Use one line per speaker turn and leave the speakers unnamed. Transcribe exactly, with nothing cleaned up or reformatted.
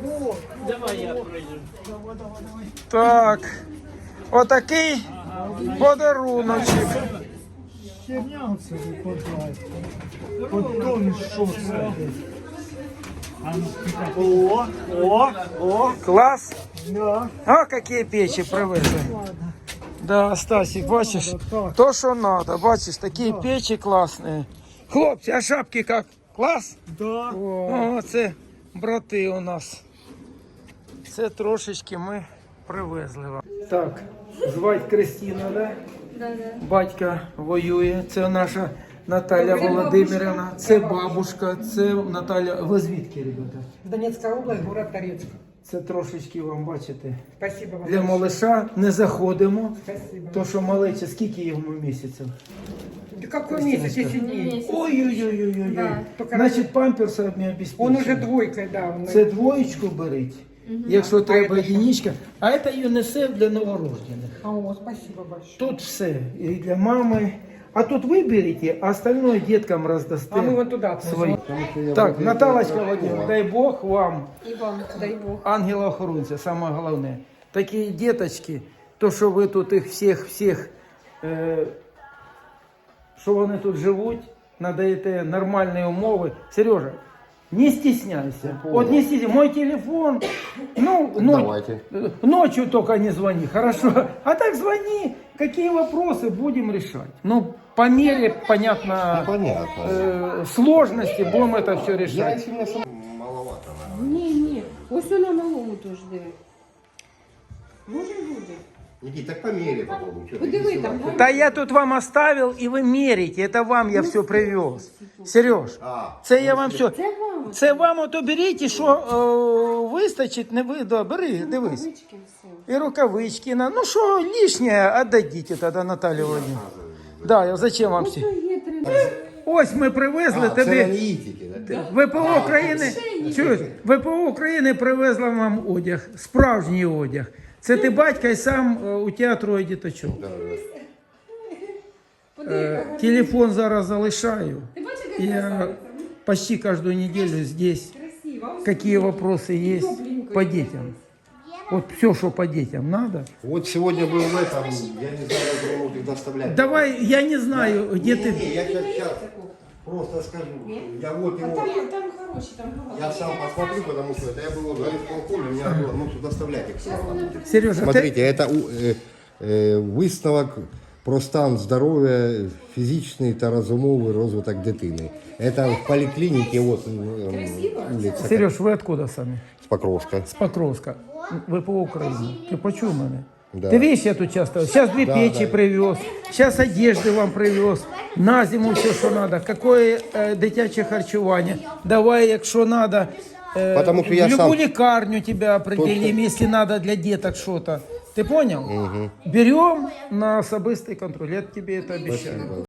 Давай я пройду.
Так, отакий подаруночок.
Херня це випадає. Потім що це? О, о, о.
Клас.
Да.
А, какие печи привезли. Да, Стасик, бачиш, то, що надо, бачиш, такі печі класні. Хлопці, а шапки як? Клас?
Да.
О, це брати у нас. Це трошечки ми привезли вам. Так, звать Кристина, да?
Да, да.
Батька воює. Це наша Наталя Володимирівна. Це бабушка, це Наталя. Ви звідки, ребята?
Донецкая область, город Торецк.
Це трошечки вам, бачите,
Спасибо вам.
для малыша не заходимо.
Спасибо.
То, що малече, скільки йому місяців?
Да какой месяц, если дней?
Ой-ой-ой-ой-ой.
Да.
Значить, памперси не обеспечені.
Он уже двойкой, да. Он...
Це двоєчку беріть, якщо треба единичка. А це ЮНІСЕФ для новорождених.
А, о, спасибо большое.
Тут все. І для мами. А тут ви берете, а остальное деткам роздасте.
А мы вот туда
свої. Так, Наталочка Владимировна, дай Бог вам,
И вам, дай Бог.
ангела-охоронця, саме головне. Такі діточки, то, що ви тут їх всіх-всіх, е, що вони тут живуть, надаєте нормальні умови. Сережа, не стесняйся. Вот не стесняйся. Мой телефон, ну, но, ночью только не звони, хорошо? А так звони, какие вопросы будем решать. Ну, по мере, понятно,
Понятно.
э, сложности будем это все
Я
решать.
сильно сам маловато, наверное.
Ні, ні. Ось вона малому теж диви. Може буде.
Никит, так померяй попробуй. Что ты
Подиви
не
там.
сила?
Да я тут вам оставил, и вы мерите. Это вам я все привез. Сереж,
А,
це я вам все.
Це вам.
Це вам ото беріть, що е, вистачить, не ви, да, бери, дивись.
Ручки все.
І рукавички, на, ну що лишнє, віддадіть тоді Наталі Володимирівні. Да, я зачем вам всі?
Ось є три.
Ось ми привезли
а, це
тобі.
аналітики, да?
ВПО України, чуєш, ВПО України привезла вам одяг, справжній одяг. Це ти батька і сам е, у тебе троє діточок.
Да, да.
Е, телефон зараз залишаю.
Ти бачиш, як
Я
красавиця?
почти каждую неделю здесь.
Красиво. Ось
Какие вопросы есть по детям? Вот все, что по детям надо.
Вот сегодня был в этом, я не знаю, куда могут их доставлять.
Давай, я не знаю, где
Не,
ты...
не, я сейчас просто скажу. Я вот
А
его,
там, там хороші, там багато.
я сам посмотрю, потому что это я был в горисполкоме, мне надо было ну, доставлять их.
Сережа,
Смотрите, это у- е, е, висновок про стан здоров'я, фізичний та розумовий розвиток дитини. Это в поликлинике, вот м, улица,
ты... Сереж, вы откуда сами?
с Покровска.
С Покровска. ВПО Украины. Ты почув мене?
Да.
Ты видишь, я тут часто. Сейчас две
Да,
печи
да.
привез, сейчас одежды вам привез, на зиму все, что надо. Какое э, дитяче харчування. Давай, якщо надо, э,
Потому что
в
я
любую
сам-
лекарню тебя определим,
Точно.
если надо для деток что-то. Ты понял? Берем на особистый контроль, я тебе это обещаю.